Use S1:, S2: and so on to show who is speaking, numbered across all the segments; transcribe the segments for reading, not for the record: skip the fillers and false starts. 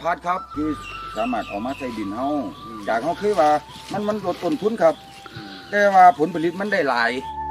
S1: พัดครับที่สามารถเอามาใส่ดินเฮาจากเฮาคือว่ามันลดต้นทุนครับแต่ว่าผลผลิตมันได้หลาย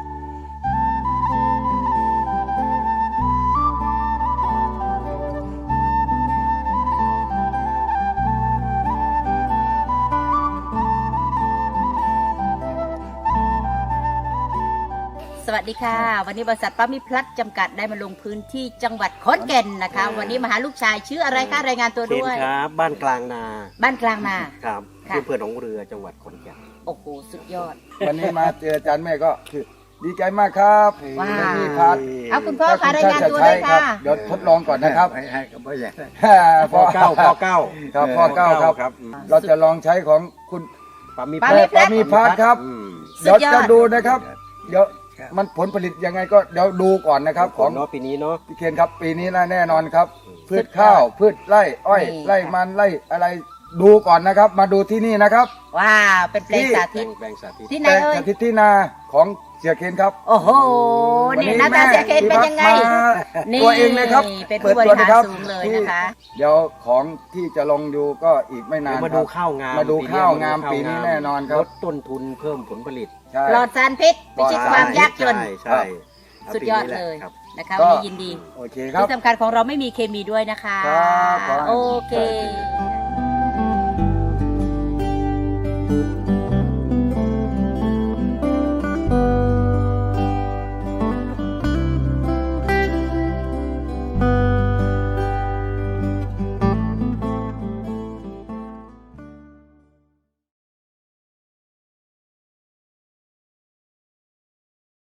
S2: สวัสดีค่ะวันนี้บริษัทปั๊มมิตรพลัสจำกัดได้มาลงพื้นที่จังหวัดขอนแก่นนะคะวันนี้มาหาลูกชายชื่ออะไรคะรายงานตัว
S3: เคน
S2: ด้วย
S3: ครับบ้านกลางนา
S2: บ้านกลางนา
S3: ครับ
S2: ค่ะ
S3: ที่อำเภอหนองเรือจังหวัดขอนแก่น
S2: โอ้โหสุดยอด
S1: วันนี้มาเจออาจารย์แม่ก็คือดีใจมากครับ
S2: ว้าว
S1: ที่พัด
S2: เอาคุณพ่อคะรายงานตัวเลย
S1: ครั
S2: ค่ะ
S1: เดี๋ยวทดลองก่อนนะครับ
S4: ให้กับพ่อใหญ่
S3: พ่อเก้า
S1: ครับพ่อเก้าครับ
S3: ครับ
S1: เราจะลองใช้ของคุณ
S3: ปามี
S2: ปา
S3: แพ
S2: มิ
S3: ท
S2: ต
S3: ย์
S2: แพทย์
S1: มีพัดครับ
S2: สุ
S1: เดี๋ยว
S2: ดยอด
S1: จะดูนะครับ เดี๋ยวมันผลผลิตยังไงก็เดี๋ยวดูก่อนนะครับ
S3: ข
S1: ข
S3: อ
S1: อง ง
S3: เนาะปีนี้เนาะ
S1: พี่เคนครับปีนี้แน่นอนครับ พืชข้าวพืชไร่อ้อย
S2: นี่
S1: ไร่มันไร่อะไรดูก่อนนะครับ มาดูที่นี่นะครับ
S2: ว้าวเป็นเพลงสา
S3: แปล
S2: ธิต
S3: งแปลงสาธิต
S2: ที่ไหน
S1: แปลง
S2: เอ่ย
S1: สาธิตที่นาของเสียเคนครับ
S2: โอ้โหนี่หน้าตาเสียเคนเป็นยังไง นี่
S1: ตัวเองเลยครับ
S2: เป็นผู้บริหารสูงเลยนะคะ
S1: เดี๋ยวของที่จะลงดูก็อีกไม่นาน
S3: มา
S1: ค
S3: ดู
S1: รับ
S3: ข้าวงาม
S1: มาดูข้าวงามปีนี้แน่นอนครับ
S3: ลดต้นทุนเพิ่มผลผลิต
S1: ใช่
S2: ปลอดสารพิษพิชิตความยากจน
S3: ใช่
S2: สุดยอดเลย
S3: ครับ
S2: นะคะ
S1: ก็
S2: วันนี้ยินดี
S1: โอเคครับ
S2: ที่สำคัญของเราไม่มีเคมีด้วยนะคะ
S1: ครับขอให้
S2: โอเค
S1: ใช่